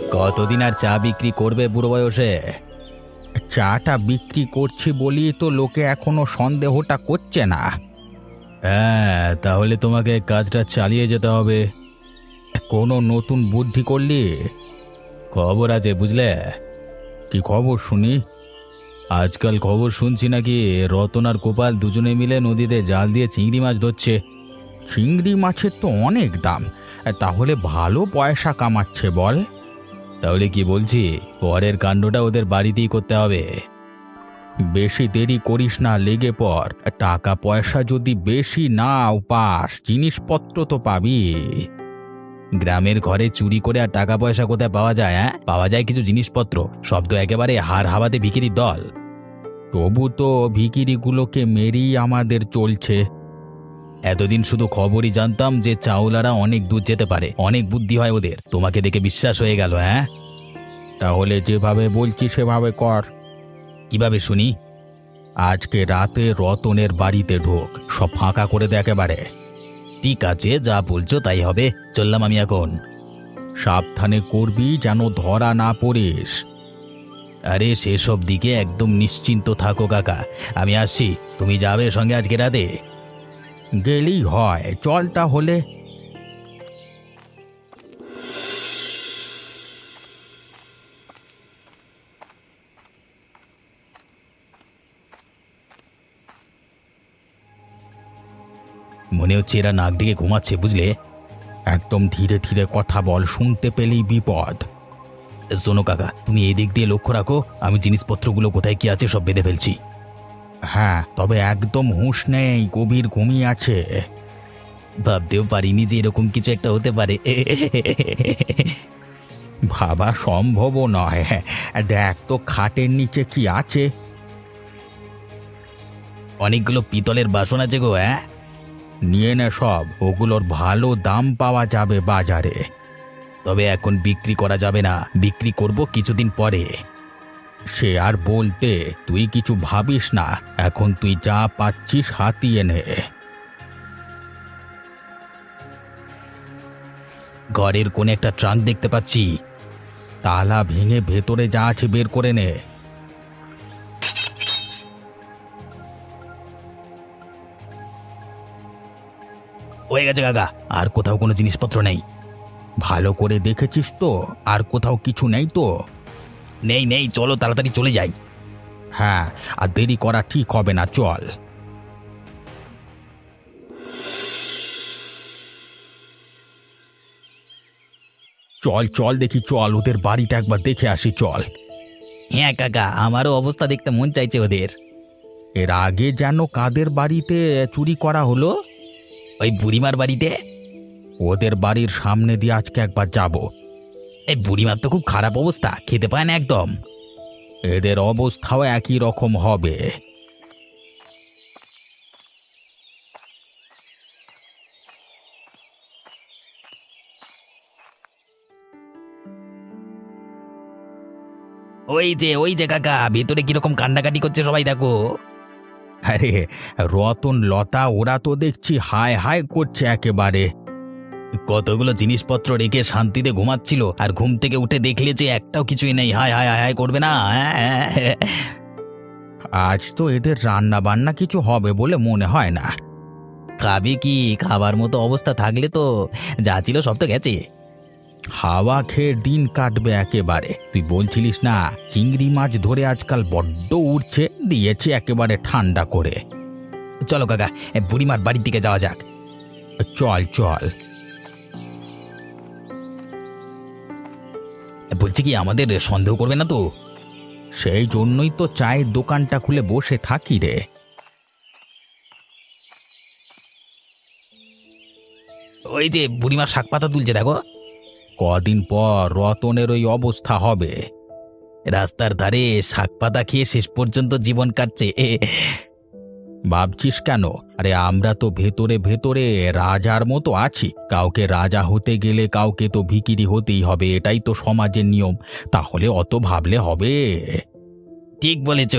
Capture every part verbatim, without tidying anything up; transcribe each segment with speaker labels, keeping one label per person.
Speaker 1: কতদিন আর চা বিক্রি করবে বুড়ো বয়সে?
Speaker 2: চাটা বিক্রি করছি বলি তো লোকে এখনো সন্দেহটা করছে না।
Speaker 1: হ্যাঁ, তাহলে তোমাকে কাজটা চালিয়ে যেতে হবে।
Speaker 2: কোনো নতুন বুদ্ধি করলি?
Speaker 1: খবর আছে বুঝলে।
Speaker 2: কি খবর শুনি?
Speaker 1: আজকাল খবর শুনছি নাকি রতন আর গোপাল দুজনে মিলে নদীতে জাল দিয়ে চিংড়ি মাছ ধরছে।
Speaker 2: চিংড়ি মাছের তো অনেক দাম, তাহলে ভালো পয়সা কামাচ্ছে বল।
Speaker 1: তাহলে কি বলছি, পরের কাণ্ডটা ওদের বাড়িতেই করতে হবে।
Speaker 2: বেশি দেরি করিস না, লেগে পড়। টাকা পয়সা যদি বেশি নাও পাস, জিনিসপত্র তো পাবি।
Speaker 1: গ্রামের ঘরে চুরি করে আর টাকা পয়সা কোথায় পাওয়া যায়? হ্যাঁ, পাওয়া যায় কিছু জিনিসপত্র, সব তো একেবারে হাড় হাওয়াতে বিক্রির দল।
Speaker 2: তবু তো ভিখিরিগুলোকে মেরেই আমাদের চলছে।
Speaker 1: এতদিন শুধু খবরই জানতাম যে চাওলারা অনেক দূর যেতে পারে, অনেক বুদ্ধি হয় ওদের। তোমাকে দেখে বিশ্বাস হয়ে গেল। হ্যাঁ,
Speaker 2: তাহলে যেভাবে বলছি সেভাবে কর।
Speaker 1: কিভাবে শুনি?
Speaker 2: আজকে রাতে রতনের বাড়িতে ঢোক, সব ফাঁকা করে দে একেবারে।
Speaker 1: ঠিক আছে, যা বলছো তাই হবে। চললাম আমি এখন।
Speaker 2: সাবধানে করবি যেন ধরা না পড়িস।
Speaker 1: আরে সেসব দিকে একদম নিশ্চিন্ত থাকো কাকা, আমি আসছি। তুমি যাবে সঙ্গে আজকে রাতে?
Speaker 2: গেলেই হয়, চল তাহলে।
Speaker 1: মনে হচ্ছে এরা নাক ডেকে ঘুমাচ্ছে বুঝলে।
Speaker 2: একদম ধীরে ধীরে কথা বল, শুনতে পেলেই বিপদ।
Speaker 1: শোনো কাকা, তুমি এই দিক দিয়ে লক্ষ্য রাখো, আমি জিনিসপত্রগুলো কোথায় কি আছে সব বেঁধে ফেলছি।
Speaker 2: হ্যাঁ, তবে একদম হুঁশ নেই, গভীর ঘুমিয়ে আছে।
Speaker 1: ভাবতেও পারিনি যে এরকম কিছু একটা হতে পারে।
Speaker 2: ভাবা সম্ভবও নয়। দেখ তো খাটের নিচে কি আছে।
Speaker 1: অনেকগুলো পিতলের বাসন আছে গো। হ্যাঁ,
Speaker 2: নিয়ে নে সব, ওগুলোর ভালো দাম পাওয়া যাবে বাজারে।
Speaker 1: তবে এখন বিক্রি করা যাবে না, বিক্রি করব কিছুদিন পরে।
Speaker 2: সে আর বলতে, তুই কিছু ভাবিস না, এখন তুই যা পাচ্ছিস হাতিয়ে নে।
Speaker 1: ঘরের কোণে একটা ট্রাঙ্ক দেখতে পাচ্ছি।
Speaker 2: তালা ভেঙে ভেতরে যা আছে বের করে নে।
Speaker 1: হয়ে গেছে কাকা, আর কোথাও কোনো জিনিসপত্র নেই।
Speaker 2: ভালো করে দেখেছিস তো? আর কোথাও কিছু নেই তো?
Speaker 1: নেই নেই, চলো তাড়াতাড়ি চলে যাই।
Speaker 2: হ্যাঁ, আর দেরি করা ঠিক হবে না, চল। চল চল দেখি, চল ওদের বাড়িটা একবার দেখে আসি, চল।
Speaker 1: হ্যাঁ কাকা, আমারও অবস্থা দেখতে মন চাইছে ওদের।
Speaker 2: এর আগে যেন কাদের বাড়িতে চুরি করা হলো?
Speaker 1: ওই বুড়িমার বাড়িতে।
Speaker 2: ওদের বাড়ির সামনে দিয়ে আজকে একবার যাব।
Speaker 1: এই বুড়িমার তো খুব খারাপ অবস্থা, খেতে পায় না একদম।
Speaker 2: এদের অবস্থাও একই রকম হবে।
Speaker 1: ওই যে ওই যে কাকা, ভেতরে কিরকম কান্নাকাটি করছে সবাই, দেখো।
Speaker 2: আরে রতন লতা ওরা তো দেখছি হায় হায় করছে একেবারে।
Speaker 1: কতগুলো জিনিসপত্র রেখে শান্তিতে ঘুমাচ্ছিল, আর ঘুম থেকে উঠে দেখলে যে একটাও কিছুই নেই। হায় হায় হায় হায় করবে না।
Speaker 2: আজ তো এদের রান্না বান্না কিছু হবে বলে মনে হয় না।
Speaker 1: খাবে কি? খাবার মতো অবস্থা থাকলে তো যা ছিল সব তো গেছে।
Speaker 2: হাওয়া খেয়ে দিন কাটবে একেবারে। তুই বলছিলিস না চিংড়ি মাছ ধরে আজকাল বড্ড উঠছে, দিয়েছে একেবারে ঠান্ডা করে।
Speaker 1: চলো কাকা, বুড়িমার বাড়ির দিকে যাওয়া যাক।
Speaker 2: চল চল।
Speaker 1: বলছি কি, আমাদের সন্দেহ করবে না তো?
Speaker 2: সেই জন্যই তো চায়ের দোকানটা খুলে বসে থাকি রে।
Speaker 1: ওই যে বুড়িমা শাক পাতা তুলছে, দেখো।
Speaker 2: কদিন পর রতনের ওই অবস্থা হবে।
Speaker 1: রাস্তার ধারে শাক পাতা খেয়ে শেষ পর্যন্ত জীবন কাটছে।
Speaker 2: ভাবছিস কেন? আরে আমরা তো ভেতরে ভেতরে রাজার মতো আছি। কাউকে রাজা হতে গেলে কাউকে তো ভিখিরি হতেই হবে, এটাই তো সমাজের নিয়ম। তাহলে অত ভাবলে হবে?
Speaker 1: ঠিক বলেছ।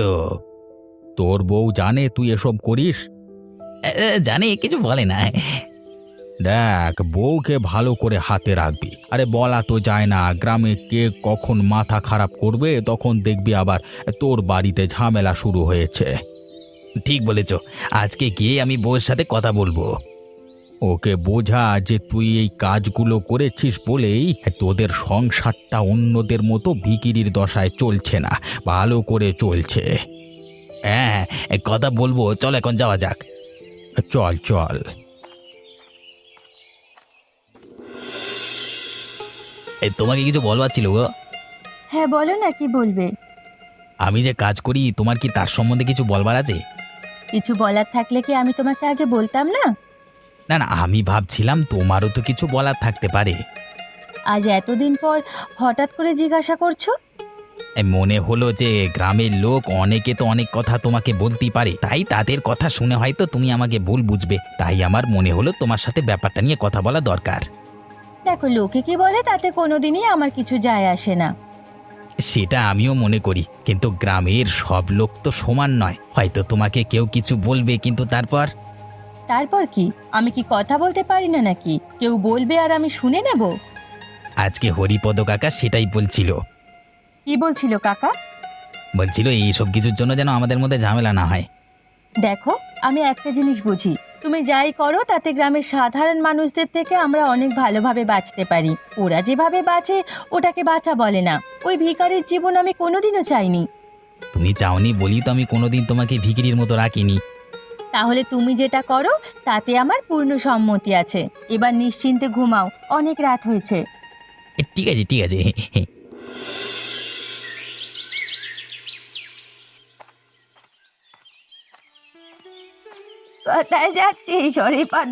Speaker 2: তোর বউ জানে তুই এসব করিস?
Speaker 1: জানে, কিছু বলে না।
Speaker 2: দেখ, বউকে ভালো করে হাতে রাখবি। আরে বলা তো যায় না, গ্রামে কে কখন মাথা খারাপ করবে, তখন দেখবি আবার তোর বাড়িতে ঝামেলা শুরু হয়েছে।
Speaker 1: ঠিক বলেছ, আজকে গিয়ে আমি বউয়ের সাথে কথা বলবো।
Speaker 2: ওকে বোঝা যে তুই এই কাজগুলো করেছিস বলেই তোদের সংসারটা অন্যদের মতো ভিখিরির দশায় চলছে না, ভালো করে চলছে।
Speaker 1: হ্যাঁ হ্যাঁ, কথা বলবো, চল এখন যাওয়া যাক।
Speaker 2: চল চল।
Speaker 1: এ, তোমাকে কিছু বলবার ছিল গো।
Speaker 3: হ্যাঁ বলো না, কি বলবে?
Speaker 1: আমি যে কাজ করি, তোমার কি তার সম্বন্ধে কিছু বলবার আছে?
Speaker 3: কিছু বলার থাকলে কি আমি তোমাকে আগে বলতাম না?
Speaker 1: না না, আমি ভাবছিলাম তোমারও তো কিছু বলার থাকতে পারে।
Speaker 3: আজ এতদিন পর হঠাৎ করে জিজ্ঞাসা করছো?
Speaker 1: এ, মনে হলো যে গ্রামের লোক অনেকে তো অনেক কথা তোমাকে বলতেই পারে, তাই তাদের কথা শুনে হয়তো তুমি আমাকে ভুল বুঝবে, তাই আমার মনে হলো তোমার সাথে ব্যাপারটা নিয়ে কথা বলা দরকার।
Speaker 3: দেখো, লোকে কি বলে তাতে কোনোদিনই আমার কিছু যায় আসে না।
Speaker 1: সেটা আমিও মনে করি, কিন্তু গ্রামের সব লোক তো সমান নয়, হয়তো তোমাকে কেউ কিছু বলবে, কিন্তু তারপর
Speaker 3: তারপর কি? আমি কি কথা বলতে পারি না নাকি? কেউ বলবে আর আমি শুনে নেব?
Speaker 1: আজকে হরিপদ কাকা সেটাই বলছিল।
Speaker 3: কি বলছিল কাকা?
Speaker 1: বলছিল এইসব কিছুর জন্য যেন আমাদের মধ্যে ঝামেলা না হয়।
Speaker 3: দেখো, আমি একটা জিনিস বুঝি, তুমি যাই করো তাতে গ্রামের সাধারণ মানুষদের থেকে আমরা অনেক ভালোভাবে বাঁচতে পারি। ওরা যেভাবে বাঁচে ওটাকে বাঁচা বলে না। ওই ভিখারির জীবন আমি কোনোদিনও চাইনি।
Speaker 1: তুমি চাওনি বলি তো আমি কোনোদিন তোমাকে ভিখিরির মতো রাখিনি।
Speaker 3: তাহলে তুমি যেটা করো তাতে আমার পূর্ণ সম্মতি আছে। এবার নিশ্চিন্তে ঘুমাও, অনেক রাত হয়েছে।
Speaker 1: এ, ঠিক আছে ঠিক আছে।
Speaker 3: কোথায় যাচ্ছিস হরিপদ?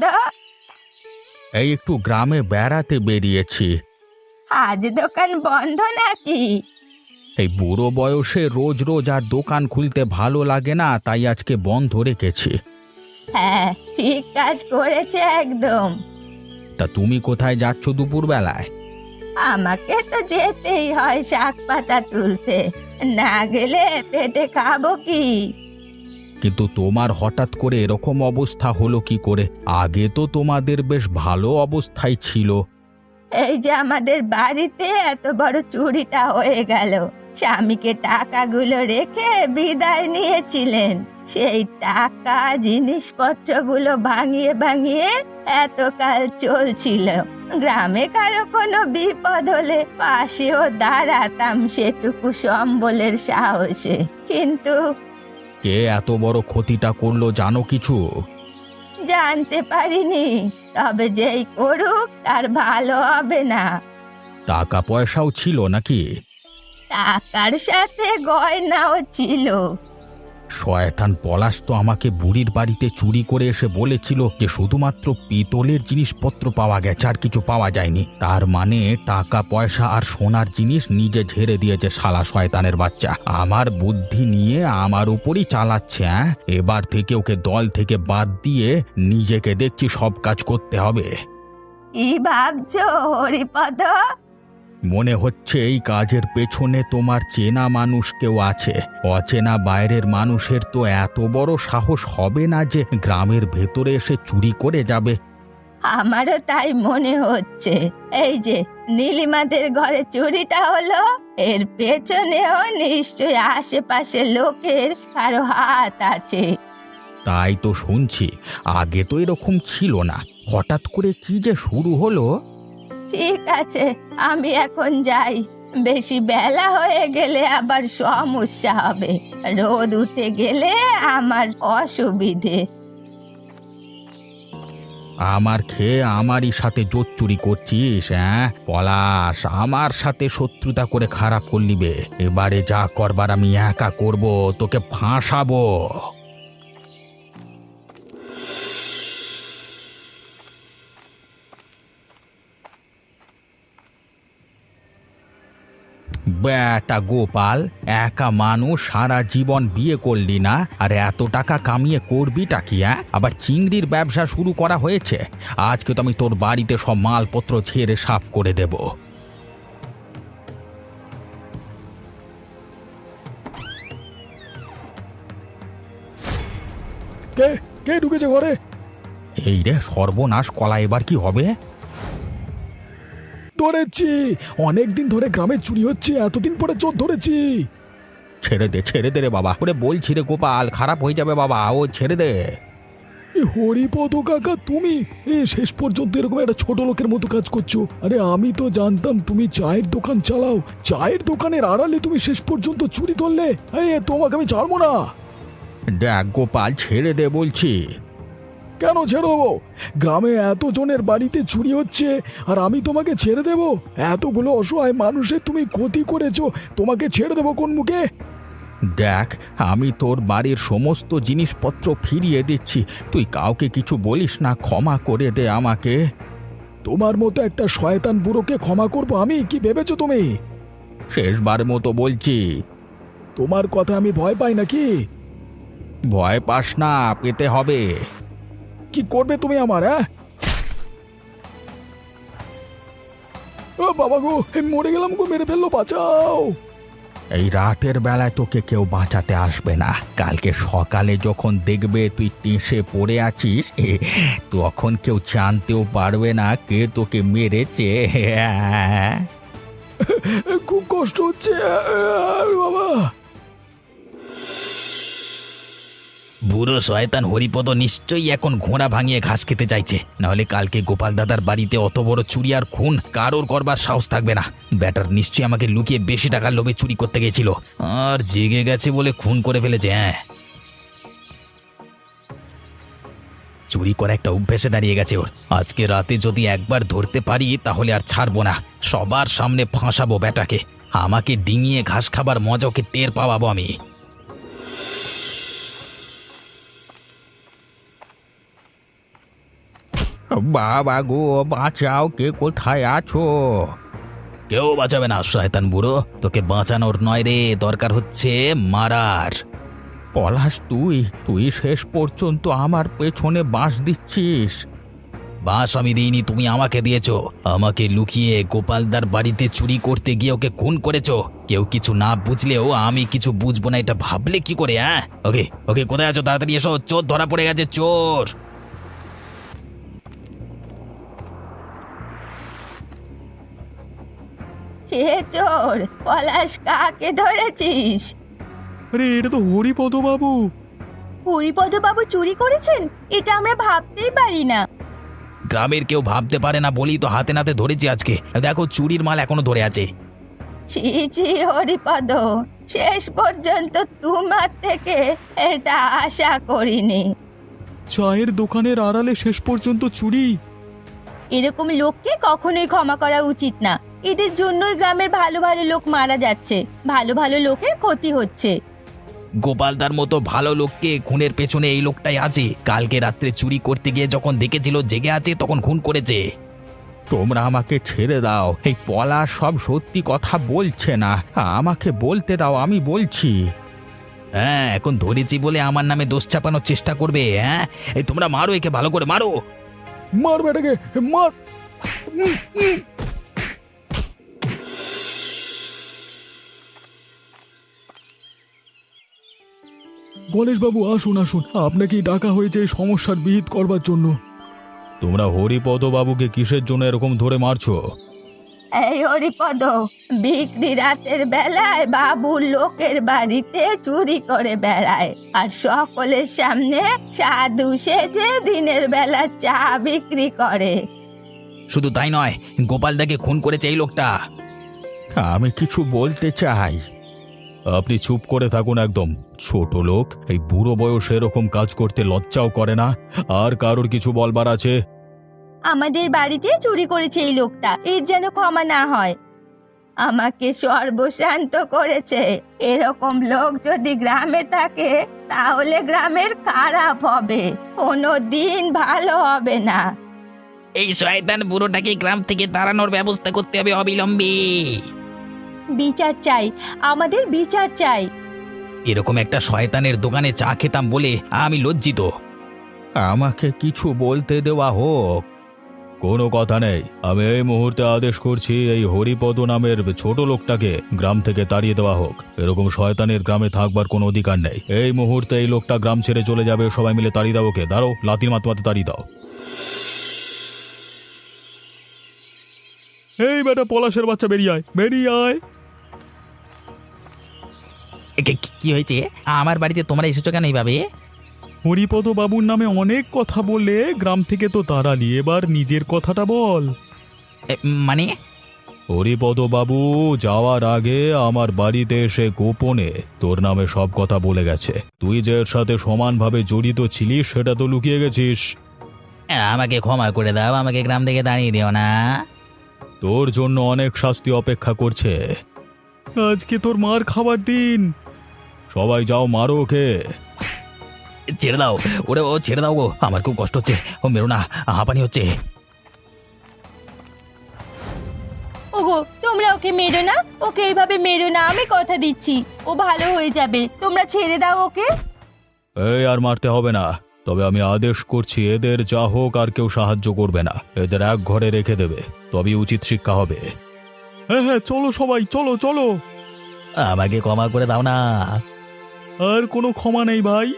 Speaker 2: এই একটু গ্রামে বেড়াতে বেরিয়েছি।
Speaker 3: আজ দোকান বন্ধ নাকি?
Speaker 2: এই বুড়ো বয়সে রোজ রোজ আর দোকান খুলতে ভালো লাগে না, তাই আজকে বন্ধ রেখেছি।
Speaker 3: হ্যাঁ, ঠিক কাজ করেছে একদম।
Speaker 2: তা তুমি কোথায় যাচ্ছ দুপুরবেলায়?
Speaker 3: আমাকে তো যেতেই হয় শাক পাতা তুলতে, না গেলে পেটে খাবো কি?
Speaker 2: কিন্তু তোমার হঠাৎ করে এরকম অবস্থা হলো কি করে? আগে তো তোমাদের বেশ ভালো অবস্থায় ছিল।
Speaker 3: এই যে আমাদের বাড়িতে এত বড় চুরিটা হয়ে গেল, স্বামীকে টাকাগুলো রেখে বিদায় নিয়েছিলেন। সেই টাকা জিনিসপত্রগুলো ভাঙিয়ে ভাঙিয়ে এতকাল চলছিল। গ্রামে কারো কোনো বিপদ হলে পাশেও দাঁড়াতাম সেটুকু সম্বলের সাহসে, কিন্তু
Speaker 2: কে এত বড় ক্ষতিটা করলো জানো কিছু?
Speaker 3: জানতে পারিনি। তবে যেই করুক তার ভালো হবে না।
Speaker 2: টাকা পয়সাও ছিল নাকি?
Speaker 3: টাকার সাথে গয়নাও ছিল।
Speaker 2: শয়তান পলাশ তো আমাকে বুড়ির বাড়িতে চুরি করে এসে বলেছিল যে শুধুমাত্র পিতলের জিনিসপত্র পাওয়া গেছে, আর কিছু পাওয়া যায়নি। তার মানে টাকা পয়সা আর সোনার জিনিস নিজে ঝেড়ে দিয়েছে শালা শয়তানের বাচ্চা। আমার বুদ্ধি নিয়ে আমার উপরই চালাচ্ছে। হ্যাঁ, এবার থেকে ওকে দল থেকে বাদ দিয়ে নিজেকে দেখছি সব কাজ করতে হবে।
Speaker 3: কি ভাবছো হরিপদ?
Speaker 2: মনে হচ্ছে এই কাজের পেছনে তোমার চেনা মানুষ কেউ আছে। অচেনা বাইরের মানুষের তো এত বড় সাহস হবে না যে গ্রামের ভেতরে এসে চুরি করে যাবে।
Speaker 3: আমারও তাই মনে হচ্ছে। এই যে নীলিমাদের ঘরে চুরিটা হলো, এর পেছনেও নিশ্চয়ই আশেপাশে লোকের কারো হাত আছে।
Speaker 2: তাই তো শুনছি, আগে তো এরকম ছিল না, হঠাৎ করে কি যে শুরু হলো।
Speaker 3: ঠিক আছে, আমি এখন যাই। বেশি বেলা হয়ে গেলে আবার সমস্যা হবে। রোদ উঠে গেলে আমার অসুবিধে।
Speaker 2: আমার খেয়ে আমারই সাথে জোর চুরি করছিস? হ্যাঁ পলাশ, আমার সাথে শত্রুতা করে খারাপ করলি বে। এবারে যা করবার আমি একা করব, তোকে ফাঁসাবো। বেটা গোপাল, একা মানুষ, সারা জীবন বিয়ে করলি না, আর এত টাকা কামিয়ে করবিটা কি? হ্যাঁ, আবার চিংড়ির ব্যবসা শুরু করা হয়েছে। আজকে তো আমি তোর বাড়িতে সব মালপত্র ছেড়ে সাফ করে দেব। কে কে ঢুকেছে ঘরে? এই রে সর্বনাশ, কলা এবার কি হবে?
Speaker 4: ধরেছি, অনেকদিন ধরে গ্রামে চুরি হচ্ছে, এতদিন পরে চোর ধরেছি।
Speaker 2: ছেড়ে দে ছেড়ে দে রে বাবা, ওরে বলছি রে গোপাল, খারাপ হয়ে যাবে বাবা, ও ছেড়ে দে।
Speaker 4: এ হরিপদ কাকা, তুমি এ শেষ পর্যন্ত এরকম একটা ছোট লোকের মতো কাজ করছো। আরে আমি তো জানতাম তুমি চায়ের দোকান চালাও, চায়ের দোকানের আড়ালে তুমি শেষ পর্যন্ত চুরি ধরলে। এ তোমাকে আমি ছাড়বো না।
Speaker 2: দেখ গোপাল, ছেড়ে দে বলছি।
Speaker 4: কেন ছেড়ে দেবো? গ্রামে এত জনের বাড়িতে চুরি হচ্ছে আর আমি তোমাকে ছেড়ে দেব? এতগুলো অসহায় মানুষের তুমি ক্ষতি করেছো, তোমাকে ছেড়ে দেবো কোন মুখে?
Speaker 2: দেখ, আমি তোর বাড়ির সমস্ত জিনিসপত্র ফিরিয়ে দিচ্ছি, তুই কাউকে কিছু বলিস না, ক্ষমা করে দে আমাকে।
Speaker 4: তোমার মতো একটা শয়তান বুড়োকে ক্ষমা করবো আমি? কি ভেবেছো তুমি?
Speaker 2: শেষবার মতো বলছি।
Speaker 4: তোমার কথা আমি ভয় পাই নাকি?
Speaker 2: ভয় পাস না, পেতে হবে।
Speaker 4: কি করবে তুমি আমার? হ্যাঁ, ও বাবা গো, এ মরে গেলাম গো, মেরে ফেললো, বাঁচাও।
Speaker 2: এই রাতের বেলায় তোকে কেউ বাঁচাতে আসবে না। কালকে সকালে যখন দেখবে তুই টেসে পড়ে আছিস, এ, তখন কেউ জানতেও পারবে না কে তোকে মেরেছে।
Speaker 4: খুব কষ্ট হচ্ছে বাবা।
Speaker 1: বুড়ো শয়তান হরিপদ নিশ্চয়ই এখন ঘোড়া ভাঙিয়ে ঘাস খেতে চাইছে, নাহলে কালকে গোপাল দাদার বাড়িতে অত বড় চুরি আর খুন কারোর করবার সাহস থাকবে না। ব্যাটার নিশ্চয়ই আমাকে লুকিয়ে বেশি টাকার লোভে চুরি করতে গেছিল, আর জেগে গেছে বলে খুন করে ফেলেছে। হ্যাঁ, চুরি করা একটা অভ্যেসে দাঁড়িয়ে গেছে ওর। আজকে রাতে যদি একবার ধরতে পারি তাহলে আর ছাড়বো না, সবার সামনে ফাঁসাবো ব্যাটাকে। আমাকে ডিঙিয়ে ঘাস খাবার মজা ওকে টের পাওয়াবো আমি।
Speaker 2: বাবা গো, বাঁচাও, কে কোথায় আছো?
Speaker 1: কেউ বাঁচাবে না শয়তান বুড়ো, তোকে বাঁচানোর নয় রে, দরকার হচ্ছে মারার।
Speaker 2: পলাশ, তুই তুই শেষ পর্যন্ত আমার পেছনে বাঁশ দিচ্ছিস।
Speaker 1: বাস আমি দিইনি, তুমি আমাকে দিয়েছো। আমাকে লুকিয়ে গোপালদার বাড়িতে চুরি করতে গিয়ে ওকে খুন করেছো। কেউ কিছু না বুঝলেও আমি কিছু বুঝবো না এটা ভাবলে কি করে? হ্যাঁ, ওকে ওকে কোথায় আছো? তাড়াতাড়ি এসো, চোর ধরা পড়ে গেছে, চোর।
Speaker 3: কে চোর? পলাশ, কাকে ধরেছিস?
Speaker 4: আরে এটা তো হরিপদ বাবু।
Speaker 3: হরিপদ বাবু চুরি করেছেন? এটা আমরা ভাবতেই পারি না।
Speaker 1: গ্রামের কেউ ভাবতে পারে না বলেই তো হাতে নাতে ধরেছি আজকে। দেখো, চুরির মাল এখনো ধরে আছে।
Speaker 3: ছি ছি হরিপদ, শেষ পর্যন্ত তোমার থেকে এটা আশা করিনি।
Speaker 4: চায়ের দোকানের আড়ালে শেষ পর্যন্ত চুরি।
Speaker 3: এরকম লোককে কখনোই ক্ষমা করা উচিত না। এদের জন্যই গ্রামের ভালো ভালো লোক মারা যাচ্ছে, ভালো ভালো লোকের ক্ষতি হচ্ছে।
Speaker 1: গোপালদার মতো ভালো লোককে খুনের পেছনে এই লোকটাই আছে। কালকে রাত্রে চুরি করতে গিয়ে যখন দেখেছিল জেগে আছে তখন খুন করেছে।
Speaker 2: তোমরা আমাকে ছেড়ে দাও, এই পলাশ সব সত্যি কথা বলছে না, আমাকে বলতে দাও, আমি বলছি।
Speaker 1: হ্যাঁ, এখন ধরেছি বলে আমার নামে দোষ চাপানোর চেষ্টা করবে? হ্যাঁ, এই তোমরা মারো, একে ভালো করে মারো।
Speaker 4: মার বেটাকে, মার। উম, উম। গণেশবাবু, আসুন আসুন, আপনাকে ডাকা হয়েছে এই সমস্যার বিহিত করবার জন্য।
Speaker 2: তোমরা হরিপদ বাবুকে কিসের জন্য এরকম ধরে মারছো?
Speaker 3: এই হরিপদ, বিক্রি রাতের বেলায় বাবুর লোকের বাড়িতে চুরি করে বেড়ায় আর সকলের সামনে সাধু সেজে দিনের বেলা চা বিক্রি করে।
Speaker 1: শুধু তাই নয়, গোপালদাকে খুন করেছে এই লোকটা।
Speaker 2: আমি কিছু বলতে চাই।
Speaker 4: আপনি চুপ করে থাকুন একদম। ছোট লোক, এই বুড়ো বয়সে এরকম কাজ করতে লজ্জাও করে না। আর কারোর কিছু বলবার আছে?
Speaker 3: আমাদের বাড়িতে চুরি করেছে এই লোকটা, এর যেন ক্ষমা না হয়। আমাকে সর্বশান্ত করেছে। এরকম লোক যদি গ্রামে থাকে তাহলে গ্রামের খারাপ হবে, কোনো দিন ভালো হবে না।
Speaker 1: এই শয়তান বুড়োটাকে গ্রাম থেকে তাড়ানোর ব্যবস্থা করতে হবে অবিলম্বে।
Speaker 3: বিচার চাই, আমাদের বিচার চাই।
Speaker 1: এরকম একটা শয়তানের দোকানে চা খেতাম বলে আমি লজ্জিত।
Speaker 2: আমাকে কিছু বলতে দেওয়া হোক।
Speaker 4: কোনো কথা নেই, আমি এই মুহূর্তে আদেশ করছি এই হরিপদ নামের ছোট লোকটাকে গ্রাম থেকে তাড়িয়ে দেওয়া হোক। এরকম শয়তানের গ্রামে থাকবার কোনো অধিকার নেই। এই মুহূর্তে এই লোকটা গ্রাম ছেড়ে চলে যাবে, সবাই মিলে তাড়িয়ে দাও ওকে। দাঁড়ো, লাতির মাতমাতে তাড়িয়ে দাও। এই বেটা পলাশের বাচ্চা বেরিয়ে আয়, বেরিয়ে আয়।
Speaker 1: এ, কি- কি- কি হয়েছে? আমার বাড়িতে তোমরা এসেছো কেন এইভাবে?
Speaker 4: হরিপদ বাবুর নামে অনেক কথা বলে গ্রাম থেকে তো তাড়ালি, এবার নিজের কথাটা বল।
Speaker 1: এ, মানে
Speaker 4: হরিপদ বাবু যাওয়ার আগে আমার বাড়িতে এসে গোপনে তোর নামে সব কথা বলে গেছে। তুই যে এর সাথে সমানভাবে জড়িত ছিলিস সেটা তো লুকিয়ে গেছিস।
Speaker 1: আমাকে ক্ষমা করে দাও, আমাকে গ্রাম থেকে দাঁড়িয়ে দিও না।
Speaker 4: তোর জন্য অনেক শাস্তি অপেক্ষা করছে। আজকে তোর মার খাবার দিন। সবাই যাও, মারো ওকে।
Speaker 1: ছেড়ে দাও ওরে, ও ছেড়ে দাও গো, আমার খুব কষ্ট হচ্ছে। ও মেরো না, হাঁপানি হচ্ছে।
Speaker 3: ওগো তোমরা ওকে মেরো না, ওকে এইভাবে মেরো না, আমি কথা দিচ্ছি ও ভালো হয়ে যাবে, তোমরা ছেড়ে দাও ওকে।
Speaker 4: এই আর মারতে হবে না, তবে আমি আদেশ করছি এদের যা হোক আর কেউ সাহায্য করবে না। এদের এক ঘরে রেখে দেবে, তবেই উচিত শিক্ষা হবে। হ্যাঁ হ্যাঁ, চলো সবাই, চলো চলো।
Speaker 1: আমাকে ক্ষমা করে দাও না।
Speaker 4: আর কোনো ক্ষমা নেই ভাই।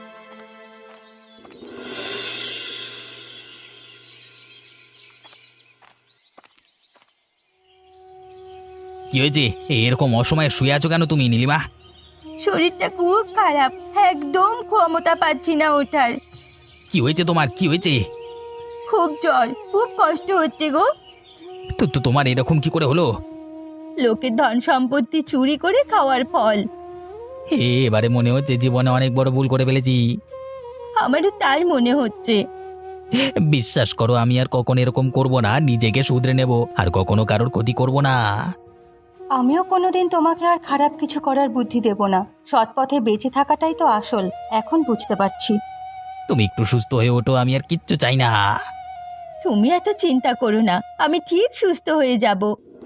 Speaker 1: কি হয়েছে? এরকম অসময়ে শুয়ে আছো কেন তুমি নীলিমা?
Speaker 3: শরীরটা খুব খারাপ, একদম ক্ষমতা পাচ্ছি না ওঠার।
Speaker 1: কি হয়েছে তোমার, কি হয়েছে?
Speaker 3: খুব জ্বর, খুব কষ্ট হচ্ছে গো।
Speaker 1: তো তো তোমার এরকম কি করে হলো?
Speaker 3: লোকের ধন সম্পত্তি চুরি করে খাওয়ার ফল।
Speaker 1: হে, এবারে মনে হচ্ছে জীবনে অনেক বড় ভুল করে ফেলেছি।
Speaker 3: আমারও তাই মনে হচ্ছে।
Speaker 1: বিশ্বাস করো, আমি আর কখনো এরকম করব না, নিজেকে শুধরে নেব, আর কখনো কারোর ক্ষতি করব না।
Speaker 3: আমিও কোনোদিন তোমাকে আর খারাপ কিছু করার বুদ্ধি দেব না। সৎ পথে বেঁচে থাকাটাই তো আসল, এখন বুঝতে পারছি।
Speaker 1: তুমি একটু সুস্থ হয়ে ওঠো, আমি আর কিচ্ছু চাই না।
Speaker 3: তুমি এত চিন্তা করো না, আমি ঠিক সুস্থ হয়ে যাব।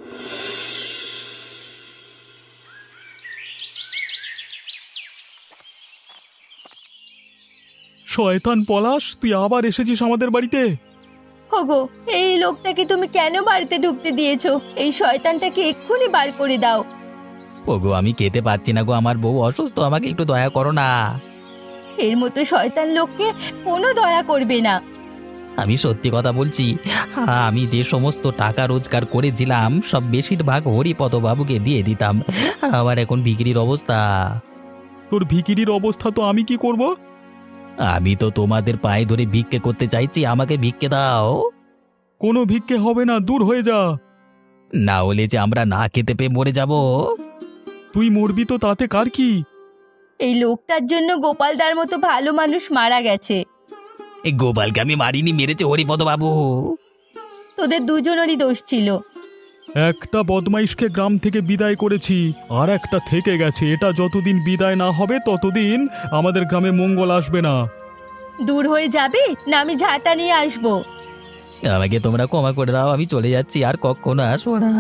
Speaker 4: শয়তান পলাশ, তুই আবার এসেছিস আমাদের বাড়িতে।
Speaker 3: ওগো এই লোকটাকে তুমি কেন বাড়িতে ঢুকতে দিয়েছো? এই শয়তানটাকে এক্ষুনি বার করে দাও।
Speaker 1: ওগো, আমি খেতে পারছি না গো, আমার বউ অসুস্থ, আমাকে একটু দয়া করো না।
Speaker 3: এর মতো শয়তান লোককে কোনো দয়া করবে না।
Speaker 1: আমি সত্যি কথা বলছি, আমি যে সমস্ত টাকা রোজগার করেছিলাম সব বেশিরভাগ হরিপদ বাবুকে দিয়ে দিতাম। আমার এখন বিক্রির অবস্থা।
Speaker 4: তোর ভিকিরির অবস্থা তো আমি কি করব?
Speaker 1: আমি তো তোমাদের পায়ে ধরে ভিক্ষে করতে চাইছি, আমাকে ভিক্ষে দাও।
Speaker 4: কোনো ভিক্ষে হবে না, দূর হয়ে যা।
Speaker 1: না হলে যে আমরা না খেতে পেয়ে মরে যাব।
Speaker 4: তুই মরবি তো তাতে কার কি?
Speaker 3: এই লোকটার জন্য গোপালদার মতো ভালো মানুষ মারা গেছে।
Speaker 1: এই গোপালকে আমি মারিনি, মেরেছে হরিপদ বাবু।
Speaker 3: তোদের দুজনেরই দোষ ছিল।
Speaker 4: একটা বদমাইশকে গ্রাম থেকে বিদায় করেছি, আর একটা থেকে গেছে। এটা যতদিন বিদায় না হবে ততদিন আমাদের গ্রামে মঙ্গল আসবে না।
Speaker 3: দূর হয়ে যাবে না, আমি ঝাঁটা নিয়ে আসবো।
Speaker 1: আমাকে তোমরা ক্ষমা করে দাও, আমি চলে যাচ্ছি, আর কখনো আসবো না।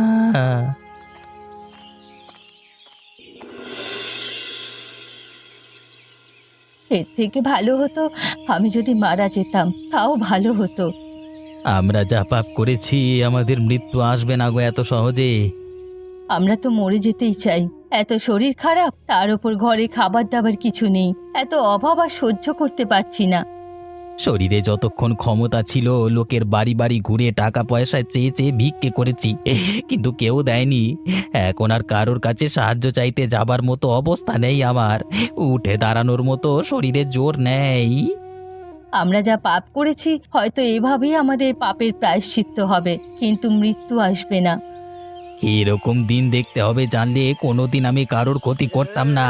Speaker 3: এর থেকে ভালো হতো আমি যদি মারা যেতাম, তাও ভালো হতো।
Speaker 1: আমরা যা পাপ করেছি, আমাদের মৃত্যু আসবে না গো এত সহজে।
Speaker 3: আমরা তো মরে যেতেই চাই। এত শরীর খারাপ, তার উপর ঘরে খাবার দাবার কিছু নেই। এত অভাব আর সহ্য করতে পারছি না।
Speaker 1: শরীরে যতক্ষণ ক্ষমতা ছিল লোকের বাড়ি বাড়ি ঘুরে টাকা পয়সা চেয়ে চেয়ে ভিক্ষে করেছি, কিন্তু কেউ দেয়নি। এখন আর কারোর কাছে সাহায্য চাইতে যাবার মতো অবস্থা নেই আমার, উঠে দাঁড়ানোর মতো শরীরে জোর নেই।
Speaker 3: আমরা যা পাপ করেছি হয়তো এভাবেই আমাদের পাপের প্রায়শ্চিত্ত হবে, কিন্তু মৃত্যু আসবে না।
Speaker 1: এরকম দিন দেখতে হবে জানলে কোনোদিন আমি কারোর ক্ষতি করতাম না।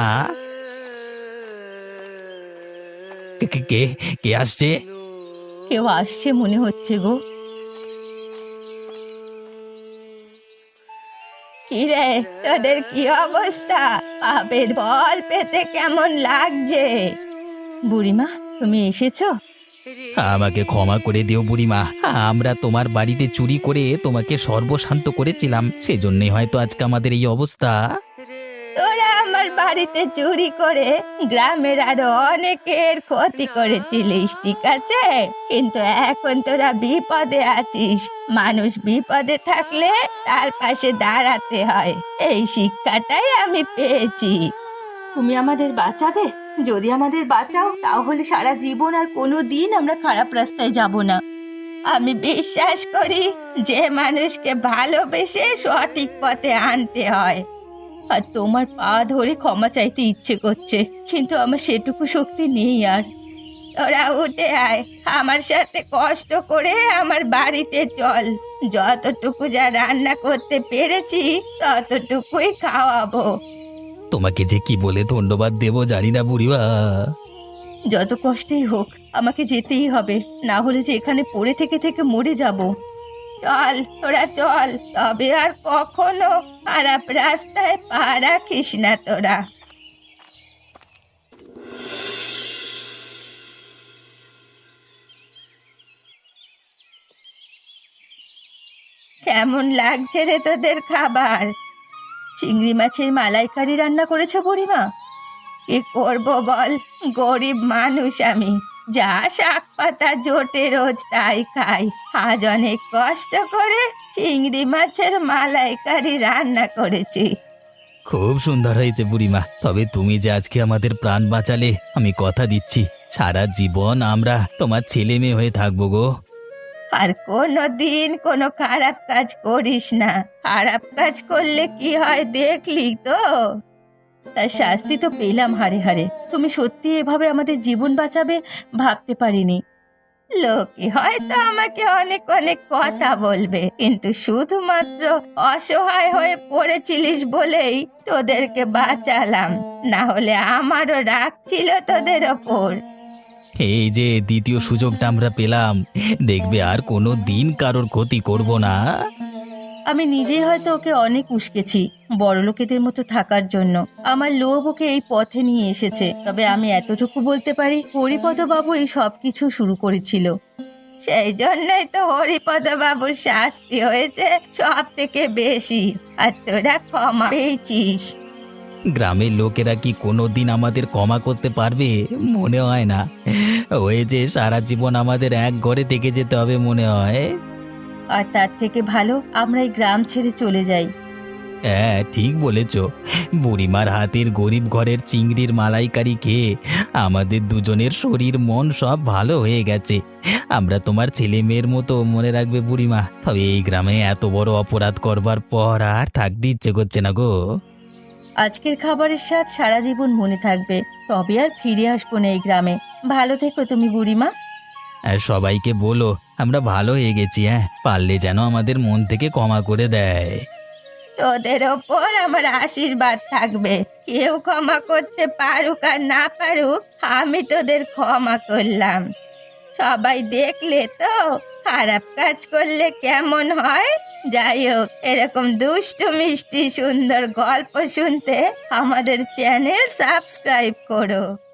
Speaker 1: কে কে- কে কে আসছে?
Speaker 3: কেউ আসছে মনে হচ্ছে গো। কি রে, তোদের কি অবস্থা? পাপের বল পেতে কেমন লাগছে? বুড়িমা, তুমি এসেছো?
Speaker 1: আমাকে ক্ষমা করে দিও বুড়িমা, আমরা তোমার বাড়িতে চুরি করে তোমাকে সর্বশান্ত করেছিলাম, সেজন্যই হয়তো আজকে আমাদের এই অবস্থা।
Speaker 3: তোরা আমার বাড়িতে চুরি করে গ্রামের আরো অনেকের ক্ষতি করেছিলিস, ঠিক আছে, কিন্তু এখন তোরা বিপদে আছিস। মানুষ বিপদে থাকলে তার পাশে দাঁড়াতে হয়, এই শিক্ষাটাই আমি পেয়েছি। তুমি আমাদের বাঁচাবে? যদি আমাদের বাঁচাও তাহলে সারা জীবন আর কোনো দিন আমরা খারাপ রাস্তায় যাব না। আমি বিশ্বাস করি যে মানুষকে ভালোবেসে সঠিক পথে আনতে হয়। আর তোমার পা ধরে ক্ষমা চাইতে ইচ্ছে করছে, কিন্তু আমার সেটুকু শক্তি নেই আর। তোরা উঠে আয়, আমার সাথে কষ্ট করে আমার বাড়িতে চল। যতটুকু যা রান্না করতে পেরেছি ততটুকুই খাওয়াবো।
Speaker 1: তোমাকে যে কি বলে ধন্যবাদ দেবো জানি না বুড়িমা।
Speaker 3: যত কষ্টই হোক আমাকে যেতেই হবে, না হলে যে এখানে পড়ে থেকে থেকে মরে যাব। চল তোরা চল, তবে আর কখনো খারাপ রাস্তায় পা রাখিস না তোরা। কেমন লাগছে রে তোদের খাবার? চিংড়ি মাছের মালাইকারি রান্না করেছো বুড়িমা? কি করব বল, গরিব মানুষ আমি, যা শাক পাতা জোটে রোজ তাই খাই। আজ অনেক কষ্ট করে চিংড়ি মাছের মালাইকারি রান্না করেছি।
Speaker 1: খুব সুন্দর হয়েছে বুড়িমা, তবে তুমি যে আজকে আমাদের প্রাণ বাঁচালে, আমি কথা দিচ্ছি সারা জীবন আমরা তোমার ছেলে মেয়ে হয়ে থাকবো গো।
Speaker 3: আর কোনো দিন কোনো খারাপ কাজ করিস না। খারাপ কাজ করলে কি হয় দেখলি তো? তার শাস্তি তো পেলাম হাড়ে হাড়ে। তুমি সত্যি এভাবে আমাদের জীবন বাঁচাবে ভাবতে পারিনি। লোকে হয়তো আমাকে অনেক অনেক কথা বলবে, কিন্তু শুধুমাত্র অসহায় হয়ে পড়েছিলিস বলেই তোদেরকে বাঁচালাম, না হলে আমারও রাগ ছিল তোদের ওপর।
Speaker 1: এই যে দ্বিতীয় সুযোগটা আমরা পেলাম, দেখবে আর কোনো দিন কারোর ক্ষতি করব না।
Speaker 3: আমি নিজেই হয়তো ওকে অনেক উস্কেছি বড়লোকেদের মতো থাকার জন্য। আমার লোভ ওকে এই পথে নিয়ে এসেছে। তবে আমি এতটুকু বলতে পারি, হরিপদ বাবু এই সব কিছু শুরু করেছিল। সেই জন্যই তো হরিপদ বাবুর শাস্তি হয়েছে সব থেকে বেশি, আর তোরা ক্ষমা পেয়েছিস।
Speaker 1: গ্রামের লোকেরা কি কোনো দিন আমাদের ক্ষমা করতে পারবে? মনে হয় না। ওই যে সারা জীবন আমাদের এক ঘরে থেকে যেতে হবে মনে হয়।
Speaker 3: আর তার থেকে ভালো আমরা এই গ্রাম ছেড়ে চলে যাই।
Speaker 1: হ্যাঁ ঠিক বলেছ, বুড়িমার হাতের গরিব ঘরের চিংড়ির মালাইকারি খেয়ে আমাদের দুজনের শরীর মন সব ভালো হয়ে গেছে। আমরা তোমার ছেলে মেয়ের মতো মনে রাখবে বুড়িমা। তবে এই গ্রামে এত বড় অপরাধ করবার পর আর থাকতে ইচ্ছে করছে না গো।
Speaker 3: আজকের খাবারের স্বাদ সারা জীবন মনে থাকবে, তবে আর ফিরে আসবো না এই গ্রামে। ভালো থেকো তুমি বুড়িমা।
Speaker 1: আর সবাইকে বলো আমরা ভালো হয়ে গেছি, হ্যাঁ পারলে যেন আমাদের মন থেকে ক্ষমা করে দেয়।
Speaker 3: তোদের ওপর আমার আশীর্বাদ থাকবে। কেউ ক্ষমা করতে পারুক আর না পারুক, আমি তোদের ক্ষমা করলাম। সবাই দেখলে তো খারাপ কাজ করলে কেমন হয়। যাই হোক, এরকম দুষ্টু মিষ্টি সুন্দর গল্প শুনতে আমাদের চ্যানেল সাবস্ক্রাইব করো।